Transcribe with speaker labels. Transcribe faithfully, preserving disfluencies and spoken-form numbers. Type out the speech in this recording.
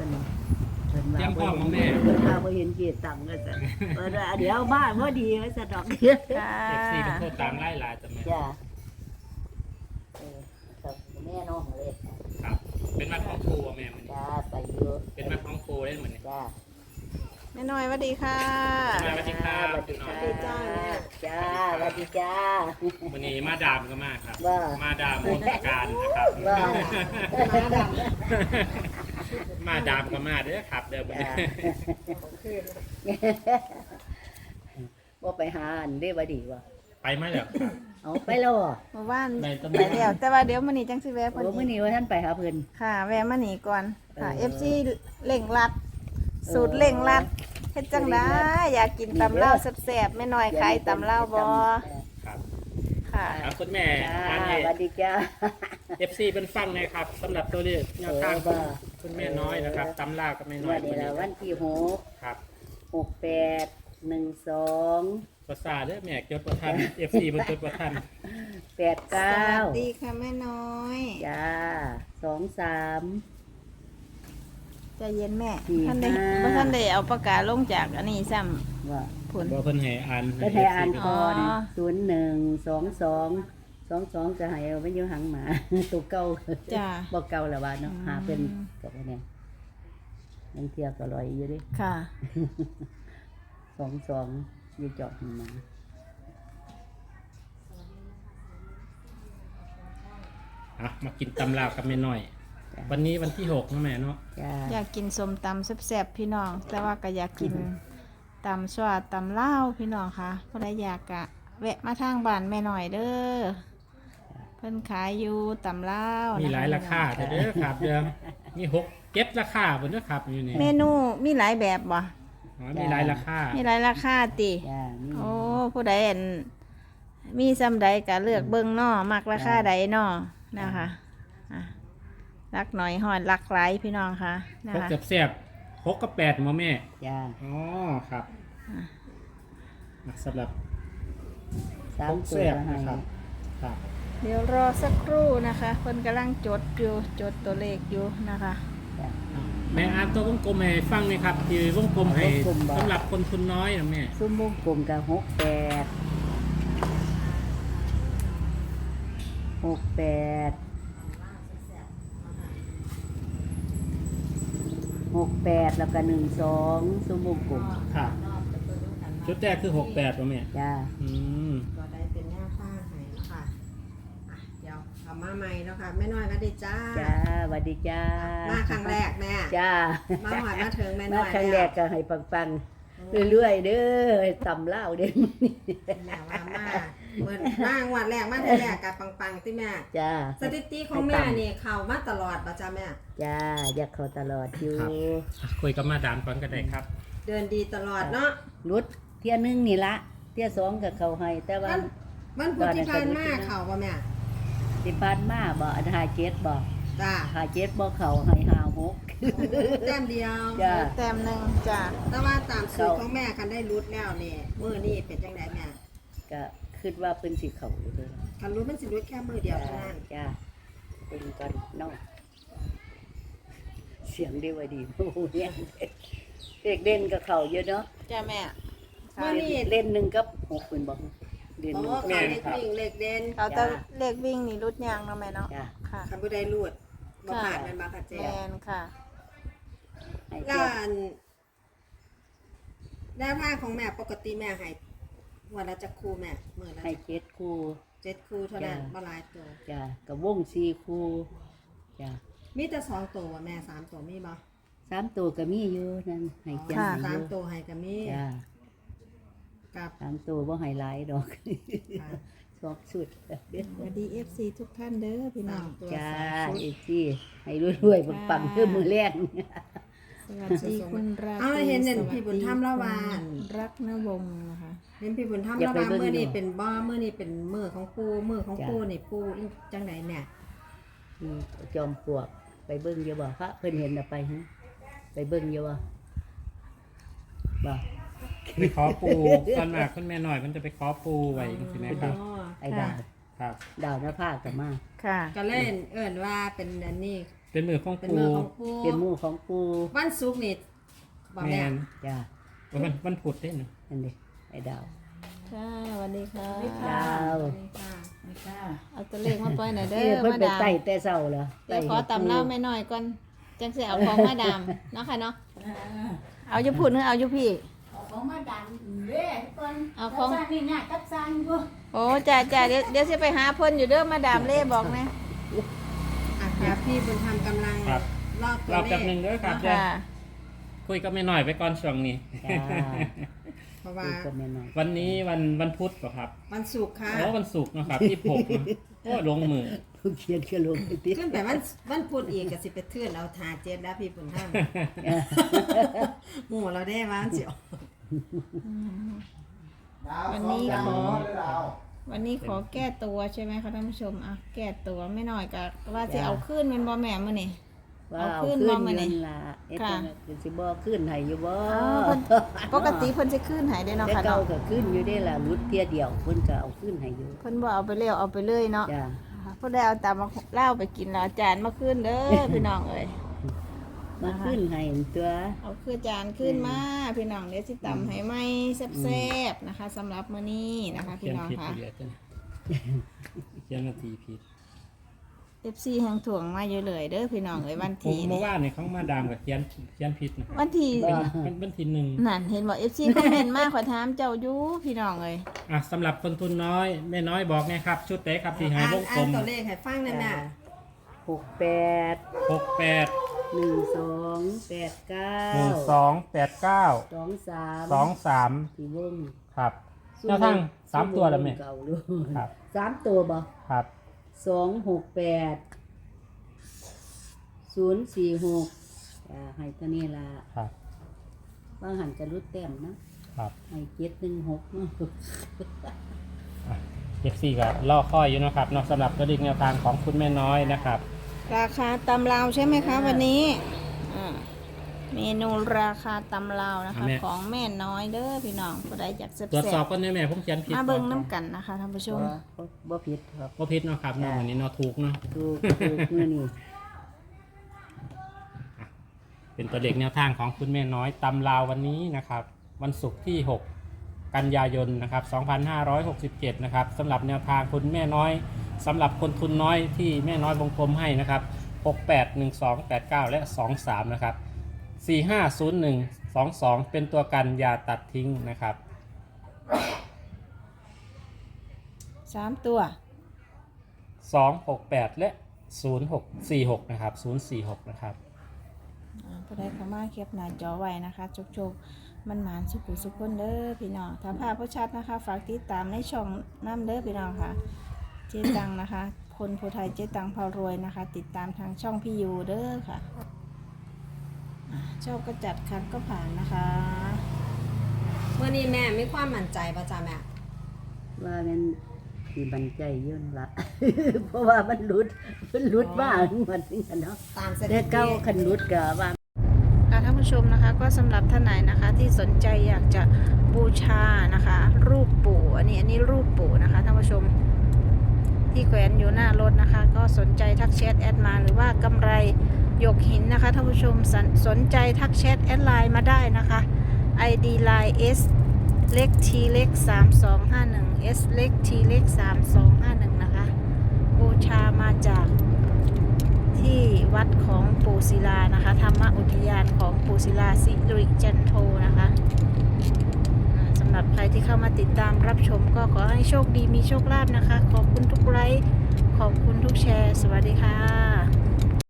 Speaker 1: พิ่นเพิ่นว่า
Speaker 2: เตรียมพร้อมบ่แม่
Speaker 1: เพิ่นว่าบ่เห็นเกียรติตังก็ซั่นเพิ่นว่าเดี๋ยวบ้านบ่ดีว่าซั่นดอกจ้า
Speaker 3: ค่ะ
Speaker 2: เอฟซีเป็นโทษตามไล่ลายจ้ะแม่
Speaker 1: เออครับแม่น้องเลย
Speaker 2: ครับ เป็นวัดของครูบ่แม่มัน
Speaker 1: จ้าไปอยู่
Speaker 2: เป็นวัดของครูได้เหมือนนี่
Speaker 1: จ้า
Speaker 3: แม่น้อยสวัสดีค่ะ
Speaker 2: สวัสดีครับ
Speaker 1: สวัสดีค่ะ
Speaker 3: สวัสดีจ้า
Speaker 1: จ้าสวัสดีจ้า
Speaker 2: วันนี้มาดามก็มาครับ
Speaker 1: ว่า
Speaker 2: มาดามมนตการนะครับ
Speaker 1: ว่า
Speaker 2: มาดามก็มาเด้อครับ เด้อวันนี้
Speaker 1: ว่าไปหาอันได้ว่าดีวะ
Speaker 2: ไปมาแล้วครับ
Speaker 1: เอาไปแล้วเหรอ
Speaker 3: เมื่อวาน
Speaker 2: ในตำ
Speaker 3: ไปแล้วแต่ว่าเดี๋ยวมื้อนี้จังสิแวะ
Speaker 1: โอ้
Speaker 3: เพิ่น
Speaker 1: มื่อนี้ว่าท่านไปหาเพิ่น
Speaker 3: ค่ะ แวะมานี่ก่อนค่ะ
Speaker 1: เออ
Speaker 3: เอฟ ซี เร่งรัด สูตรเร่งรัดเฮ็ดจังได๋อยากกินตำลาวแซ่บๆแม่น้อยขายตำลาวบ่
Speaker 2: ครับ
Speaker 3: ค่ะ
Speaker 2: ครับคุณแม่
Speaker 1: จ้า
Speaker 2: อัน
Speaker 1: ส
Speaker 2: นี้
Speaker 1: วัสดีจ้า
Speaker 2: เอฟซีเป็นฟังนะครับสำหรับตัวเลขแนวทาง
Speaker 1: เออว่า
Speaker 2: คุณแม่น้อยนะครับตำลากับแม่น้อ
Speaker 1: วั
Speaker 2: ย
Speaker 1: นนี้ละวันที่หก
Speaker 2: ครับ
Speaker 1: หกแปดหนึ่งสอง
Speaker 2: ภาษาเด้อแม่จดประทันเอฟซีบนจดประทัน
Speaker 1: แปด
Speaker 3: ส
Speaker 1: เก้า
Speaker 3: วัสดีค่ะแม่น้อย
Speaker 1: จ้าสองสาม
Speaker 3: ใจเย็นแม่
Speaker 1: สี่
Speaker 3: ท่านได้
Speaker 1: ห้า
Speaker 3: บ่ท่านได้เอาปากกาลงจากอันนี้ซ้ำ
Speaker 1: ว่า
Speaker 3: ผล
Speaker 2: บอกเพิ่นให้อ่าน
Speaker 1: ก็ให้อ่าน
Speaker 2: ให้
Speaker 1: ก่อน
Speaker 3: อ๋อ
Speaker 1: ศูนย์หนึ่งสองสองสองสองจะให้เอาไว้อยู่หางหมา ตัวเก่า
Speaker 3: จ้า
Speaker 1: บอกเก่าแล้วว่าเนาะ
Speaker 3: อืม
Speaker 1: หาเป็นกับว่าเนี่ยยังเทียบก็ลอยอยู่ดิ
Speaker 3: ค่ะ
Speaker 1: สองสองอยู่เจาะหางหมา
Speaker 2: อ่ะมากินตำลากับแม่น้อย วันนี้วันที่หกนะแม่เนาะ
Speaker 1: จ้า
Speaker 3: อยากกินส้มตำแซ่บๆพี่น้อง แต่ว่าก็อยากกินตำสวาตำลาวพี่น้องค่ะผู้ใดอยากกะ แวะมาทางบ้านแม่หน่อยเด้อเพิ่นขายอยู่ตำลาว
Speaker 2: มี
Speaker 3: นะคะ
Speaker 2: หลายราคาเด้อครับเด้อมีหกเก็บราคาบนเด้อครับอยู่นี่
Speaker 3: เมนูมีหลายแบบบ่
Speaker 2: อ๋อมีหลายราคา
Speaker 3: มีหลายราคาติ
Speaker 1: จ้านี่
Speaker 3: โอ้ผู้ใดอันมีซ้ำใดก็เลือกเบิ่งเนาะมักราคาใดเนาะนะคะอ่ะรักหน่อยหอดรักหลายพี่น้องค่ะนะ
Speaker 2: หก
Speaker 3: คะ
Speaker 2: เกือบแซ่บหกกับแปดมาแม่
Speaker 1: จ้า
Speaker 2: อ๋อครับอ่ะสำหรับ
Speaker 1: สา
Speaker 2: ห
Speaker 1: ม
Speaker 2: ก
Speaker 1: ตัว
Speaker 2: แซ่บ
Speaker 1: ให้
Speaker 2: นะครับครับ
Speaker 3: เดี๋ยวรอสักครู่นะคะเพิ่นกำลังจดอยู่จดตัวเลขอยู่นะคะ
Speaker 1: จ้า
Speaker 2: แม่อ่านตัววงกลมให้ฟังหน่อยครับที่วงกลมให้
Speaker 1: วงกลมบ่
Speaker 2: สำหรับคนทุนน้อยนะแม่
Speaker 1: ซุ้มวงกลมกับหกแปดหกแปดหกแปดแล้วก็หนึ่งสองซุ้มวงกลม
Speaker 2: ครับชุดแรกคือหกแปดป่ะแม่
Speaker 1: จ้า
Speaker 2: อืม
Speaker 4: ก็ได้เป็นแนวทางให้เนาะค่ะอ่ะ เดี๋ยวเอามาใหม่เนาะค่ะแม่น้อยก็ได้จ้า
Speaker 1: จ้าสวัสดีจ้า
Speaker 4: มาครั้งแรกแม่
Speaker 1: จ้า
Speaker 4: มาหอดมาถึงแม่
Speaker 1: มา
Speaker 4: น้อย
Speaker 1: ครั้งแรกก็ให้ปังๆเรื่อยๆเด้อตำเล่าวเด้อ
Speaker 4: แม่ว่ามาเหมือนมางวันแรกมาทีแรกกับปังๆที่แม่
Speaker 1: จ้า
Speaker 4: สถิติของแม่นี่เข้ามาตลอดป่ะจ้าแม่
Speaker 1: จ้าอยากเขาตลอดอยู่
Speaker 2: อ่ะคุยกับมาดามก่อนก็ได้ครับ
Speaker 4: เดินดีตลอดเนาะ
Speaker 1: รุดเที่ยหนึงนี่ละเที่ยสองกับเขาให้ แต่ว่า
Speaker 4: มันมันพุธที่ผ่านมาเข้าป่ะแม่
Speaker 1: สิบานมาบ่อันหาเจ็ดบ่
Speaker 4: จ้า
Speaker 1: หาเจ็ดบ่เขาให้หาหก
Speaker 4: แต้มเดียว
Speaker 1: จ้า
Speaker 3: แต้มหนึ่งจ้ะ
Speaker 4: แต่ว่าตามสูตรของแม่คันได้รุดแล้วนี่มื้อนี้เป็นจังไดแม่
Speaker 1: ก็คิดว่าเพิ่นสิเขาอยู่เด้อ
Speaker 4: คันรุดมันสิรุดแค่มื้อเดียว
Speaker 1: จ้า
Speaker 4: เท่านั้น
Speaker 1: จ้าเป็นกันเนาะเสียงดีว่าดี โอ้โหเนี่ยเด็กเล่นกับเขาเยอะเนาะ
Speaker 3: จ้ะแม่
Speaker 4: มื้อนี้
Speaker 1: เล่นหนึ่งกับหกเป็นบอกเล่น
Speaker 4: โอ้
Speaker 1: หนึ่ง
Speaker 4: เขาเล็กวิ่งเล็กเด่น
Speaker 3: เขาจะเลขวิ่งนี่รุดยางเนาะแม่เนาะ
Speaker 1: จ้า
Speaker 3: ค่ะ
Speaker 4: คันบ่ได้รูดบ่ผ่านแม่นบ่ค่ะเจ๊
Speaker 3: แมนค่ะ
Speaker 1: ให้
Speaker 4: แล้
Speaker 1: เจ้าว
Speaker 4: อันแนวทางของแม่ปกติแม่ให้วันละจักคู่แม่มื้อละ
Speaker 1: ให้เจ็ดคู่
Speaker 4: เจ็ดคู่เท่านั้น
Speaker 1: จ้ะ
Speaker 4: บ่หลายตัว
Speaker 1: จ้ากับวงสี่คู่จ้า
Speaker 4: มีแต่สองตัวแม่สามตัวมีบ่
Speaker 1: สามตัวก็มีอยู่นั่นให้เจ้า
Speaker 3: ค่ะ
Speaker 1: ให้
Speaker 4: สา
Speaker 1: อ
Speaker 4: ม
Speaker 1: ยู่
Speaker 4: ตัวให้ก็มี
Speaker 1: จ้า
Speaker 4: กับ
Speaker 1: สามตัวบ่ให้หลายดอก
Speaker 4: ค่ะ
Speaker 1: ชอบสุด
Speaker 3: สวัสดี เอฟ ซี ทุกท่านเด้อพี่น้
Speaker 4: สา
Speaker 3: อง
Speaker 4: มตัว
Speaker 1: จ้า
Speaker 4: สามชุด
Speaker 1: เอซี่ให้รวยๆปังๆเพื่อมือแรก
Speaker 3: สวัสดีคุณราตรี
Speaker 4: เอาเห็นเห็นพี่บุญธรรมละวาน
Speaker 3: รักนวงศ์นะคะ
Speaker 4: เห็นพี่บุญธรรม
Speaker 1: อย่า
Speaker 4: ระ
Speaker 1: ไป
Speaker 4: บา
Speaker 1: เบิ่ง
Speaker 4: มื้อนี้
Speaker 1: ดู
Speaker 4: เป็นบ่มื้อนี้เป็นมื้อของปู่มื้อของ
Speaker 1: จ้ะ
Speaker 4: ปู่นี่ปู่อีจังไดแม่
Speaker 1: อืมจอมปลวกไปเบิ่งเยอะบ่พระเพิ่นเห็นน่ะไปฮะไปเบิ่งเยอะบ่บ่
Speaker 2: ไปขอปูตอนมากคุณแม่น้อยมันจะไปขอปูไว้ใช่ไหมครับ
Speaker 4: อ๋อ
Speaker 1: ไอ้ดาว
Speaker 2: ครับ
Speaker 1: ดาวหน้าผากก็มา
Speaker 3: ค่ะ
Speaker 4: ก็เล่นเอิ้นว่าเป็นอันนี้
Speaker 2: เป็นมือของ
Speaker 4: เป็น
Speaker 2: ปู
Speaker 4: มือของปู
Speaker 1: เป็นหมู่ของปู
Speaker 4: วันศุกร์นี่บอก
Speaker 2: แม
Speaker 4: แม่
Speaker 2: น
Speaker 1: จ้า
Speaker 2: วันวันพุธได้หนึ่ง
Speaker 1: นั่นดิไอ้ดาว
Speaker 3: ค่ะสวัสดีค่ะ
Speaker 1: ดาว
Speaker 4: นี่ค่ะ
Speaker 3: เอาตัวเลขมาปล่อยหน่อยเด้
Speaker 1: เอ้ย
Speaker 3: อ
Speaker 1: เพิ่น
Speaker 3: มา
Speaker 1: ไป
Speaker 3: ดาม
Speaker 1: ไต่แต่เช้าเหรอ
Speaker 3: เดี๋ยวขอตำเล่าแม่น้อยก่อนจังสิเอาของมาดามเนาะค่ะเนาะเอาอยู่พูดหรือเอาอยู่พี่
Speaker 5: เอาของมาดันเด้ก่อน
Speaker 3: เอาของ
Speaker 5: สร้างนี่เนี่ยกับสร้างอยู่
Speaker 3: โอ้จ้าจ้าเดี๋ยวเดี๋ยวสิไปหาเพิ่นอยู่เด้อมาดามเล่บอกนะ
Speaker 4: อ่ะเดี๋ยวพี่บุญธรรมกำลัง
Speaker 2: ครับ
Speaker 4: รอบตัว
Speaker 2: รอบ
Speaker 4: เล
Speaker 2: แป๊บ
Speaker 4: ข
Speaker 2: หนึ่งเด้อครับเดี๋ยว
Speaker 3: ค่ะ
Speaker 2: คุยกับแม่น้อยไปก่อนช่วงนี้
Speaker 1: จ้า
Speaker 4: เพราะว่า
Speaker 1: ปูกับแม่น้อย
Speaker 2: วันนี้วันวันพุธเหรอครับ
Speaker 4: วันศุกร์ค่ะ
Speaker 2: อ๋อวันศุกร์นะครับที่หกนะโอ้ลงมือ
Speaker 1: ผู้เขียนก็ลงไปติ
Speaker 4: ขึ้นไปวันวันพุธอีกก็สิไปเทื่อนเอาทาเจ็ดแล้วพี่บุญธรรมหมู่เราได้ว่าเจียว
Speaker 3: วันนี้ขอวันนี้ขอแก้ตัวใช่ไหมคะท่านผู้ชมอ่ะแก้ตัวไม่น้อยก็ว่าสิเอาขึ้นเป็นบ่แม่มื้อนี้
Speaker 1: ว่า
Speaker 3: เอา
Speaker 1: เอา
Speaker 3: ขึ้
Speaker 1: ขึ้
Speaker 3: น
Speaker 1: น
Speaker 3: บ่มื้อนี้
Speaker 1: เงินล่ะเอ๊ะ
Speaker 3: ค่ะ
Speaker 1: จังสิบ่ขึ้นให้อยู่บ่
Speaker 3: อ้าวเพิ่นปกติเพิ่นสิขึ้นให้ได้เนาะ
Speaker 1: แต่
Speaker 3: ค่ะ
Speaker 1: เก่า
Speaker 3: เนาะ
Speaker 1: ก็ขึ้นอยู่ได้ล่ะรุดเที่ยเดียวเพิ่นก็เอาขึ้นให้อยู่
Speaker 3: เพิ่นบ่เอาไปเลี้ยวเอาไปเลยเนาะ
Speaker 1: จ้า
Speaker 3: เพิ่นได้เอาตามมาเล่าไปกินแล้วอาจารย์มาขึ้นเด้อ พี่น้องเอ้ย
Speaker 1: มาขึ้นให้ตัว
Speaker 3: เอาคือจานขึ้นมาพี่น้องเดี๋ยวสิตำให้ไหมแซ่บๆนะคะสำหรับมื้อนี้นะคะ
Speaker 2: เขี
Speaker 3: พี่
Speaker 2: ยน
Speaker 3: น้อง
Speaker 2: ผิด
Speaker 3: ค่ะ
Speaker 2: ไปเลยจ้ะเขียนนาทีผิด
Speaker 3: เอฟซีแห่งถ่วงมาเยอะเลยเด้อพี่น้องเอ้ยวัน
Speaker 2: ผม
Speaker 3: ที่
Speaker 2: เมื่
Speaker 3: นี่
Speaker 2: อวานเนี่ยเขามาดามกับเขียนเขียนผิดนะครับ
Speaker 3: วันที่
Speaker 2: เป็นเป็นเป็นทีหนึ่ง
Speaker 3: นั่นเห็นบอกเอฟซีคอมเมนต์มาขอถามเจ้าอยู่พี่น้องเอ้ย
Speaker 2: อ่ะสำหรับคนทุนน้อยแม่น้อยบอกไงครับ ชุดเตะครับที่หาย
Speaker 4: อ่าน
Speaker 2: วงกล
Speaker 4: อ่าน
Speaker 2: ม
Speaker 4: ตัวเลขให้ฟังนั่นน่ะ
Speaker 1: หกแปด
Speaker 2: หกแปด
Speaker 1: หนึ่งสองแปดเก้า
Speaker 2: หนึ่งสองแปดเก้า
Speaker 1: สองสาม
Speaker 2: สองสาม
Speaker 1: สี่วง
Speaker 2: ครับแนวทางสามตัวแล้วแม่
Speaker 1: เก่าลูก
Speaker 2: ครับ
Speaker 1: สามตัวบ่
Speaker 2: ครับ
Speaker 1: สองหกแปดศูนย์สี่หกอ่าให้ตัวนี้ละ
Speaker 2: ครับ
Speaker 1: บางหันจะรุดแต้มนะครับ ให้เจ็ดหนึ่งหกเนาะ
Speaker 2: เอฟซีก็ล่อค่อยอยู่นะครับเนอกสำหรับตัวเลขแนวทางของคุณแม่น้อยนะครับ
Speaker 3: ราคาตำลาวใช่ไหมคะวันนี้อ่าเมนูราคาตำลาวนะคะ
Speaker 2: แม่
Speaker 3: ของแม่น้อยเด้อพี่น้องผู้ใดอยากแซ่
Speaker 2: ตรวจสอบบ
Speaker 3: ๆ
Speaker 2: ก่อนได้ไหมผมเขียนผิด
Speaker 3: มาเบิ่งน้ำกันนะคะท่านผู้ชม
Speaker 1: บ่บ่ผิดครับ
Speaker 2: ว่าผิดเนาะครับเนาะวันนี้เนาะถูกเนาะ
Speaker 1: ถูกถูกนี่นี่
Speaker 2: เป็นตัวเลขแนวทางของคุณแม่น้อยตำลาววันนี้นะครับ วันศุกร์ที่หกกันยายนนะครับสองพันห้าร้อยหกสิบเจ็ดนะครับสำหรับแนวทางคุณแม่น้อยสำหรับคนทุนน้อยที่แม่น้อยวงกลมให้นะครับหกแปด หนึ่งสอง แปดเก้า และสองสามนะครับสี่ห้าศูนย์หนึ่ง สองสองเป็นตัวกันอย่าตัดทิ้งนะครับ
Speaker 3: สามตัว
Speaker 2: สองหกแปด และศูนย์หกสี่หกนะครับศูนย์สี่หกนะครับ
Speaker 3: อ่าผู้ใดเข้ามาเก็บหน้าจอไว้นะคะโชคๆมันหมานสุขุสุขคนเด้อพี่น้องถ้าภาพผู้ชัดนะคะฝากติดตามในช่องน้ำเด้อพี่น้องค่ะ เจ๊ตังนะคะคนผู้ไทยเจ๊ตังพารวยนะคะ ติดตามทางช่องพี่ยูเด้อค่ะอ่าชอบก็จัดคัดก็ผ่านนะคะ
Speaker 4: วันนี้แม่มีความมั่นใจป่ะจ๊ะแม่
Speaker 1: ว่ามันที่บันใจเยื่นละ เพราะว่ามันหลุดมันหลุดบ้างมันนี่กันเนาะ
Speaker 4: ตามสถิ
Speaker 1: แต่
Speaker 4: ติ
Speaker 1: เก้าคันหลุดก็ว่า
Speaker 3: ค่ะท่านผู้ชมนะคะก็สำหรับท่านไหนนะคะที่สนใจอยากจะบูชานะคะ รูปปู่อันนี้อันนี้รูปปู่นะคะท่านผู้ชมที่แขวนอยู่หน้ารถนะคะ ก็สนใจทักแชทแอดมาหรือว่ากำไรหยกหินนะคะท่านผู้ชมสนสนใจทักแชทแอดไลน์มาได้นะคะ ไอ ดี ไลน์ S เล็ก T เล็กสามสองห้าหนึ่ง S เล็ก T เล็กสามสองห้าหนึ่งนะคะบูชามาจากที่วัดของปู่ศิลานะคะธรรมอุทยานของปู่ศิลาสิริจันโทนะคะอ่าสำหรับใครที่เข้ามาติดตามรับชมก็ขอให้โชคดีมีโชคลาภนะคะ ขอบคุณทุกไลค์ขอบคุณทุกแชร์ สวัสดีค่ะ